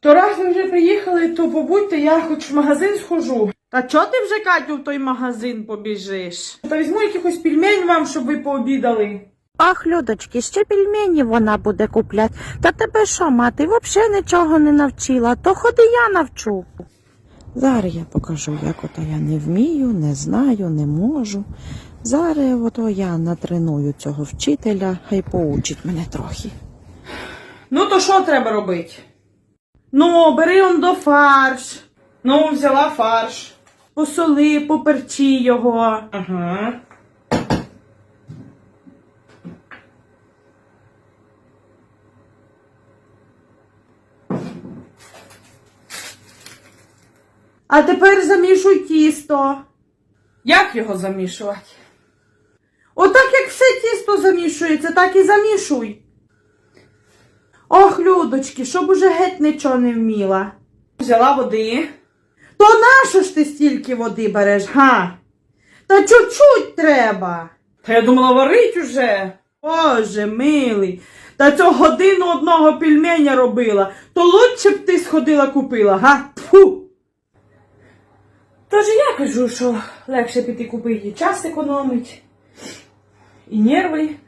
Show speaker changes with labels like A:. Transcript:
A: То раз ви вже приїхали, то побудьте, я хоч в магазин схожу. Та чого ти вже, Катю, в той магазин побіжиш? Та візьму якихось пельмень вам, щоб ви пообідали.
B: Ах, Людочки, ще пельмені вона буде куплять. Та тебе що, мати, взагалі нічого не навчила, то ходи я навчу. Зараз я покажу, як ото я не вмію, не знаю, не можу. Зараз ото я натреную цього вчителя, хай поучить мене трохи.
A: Ну, то що треба робити? Ну, бери он до фарш. Ну, взяла фарш. Посоли, поперчи його. Ага. А тепер замішуй тісто. Як його замішувати? Отак, як все тісто замішується, так і замішуй. Ох, Людочки, щоб уже геть нічого не вміла. Взяла води. То нащо ж ти стільки води береш, га? Та чуть-чуть треба. Та я думала, варить уже. Боже милий, та цього годину одного пельменя робила. То лучше б ти сходила купила, га? Тьфу! Тож я кажу, що легше піти купити, час економить. І нерви.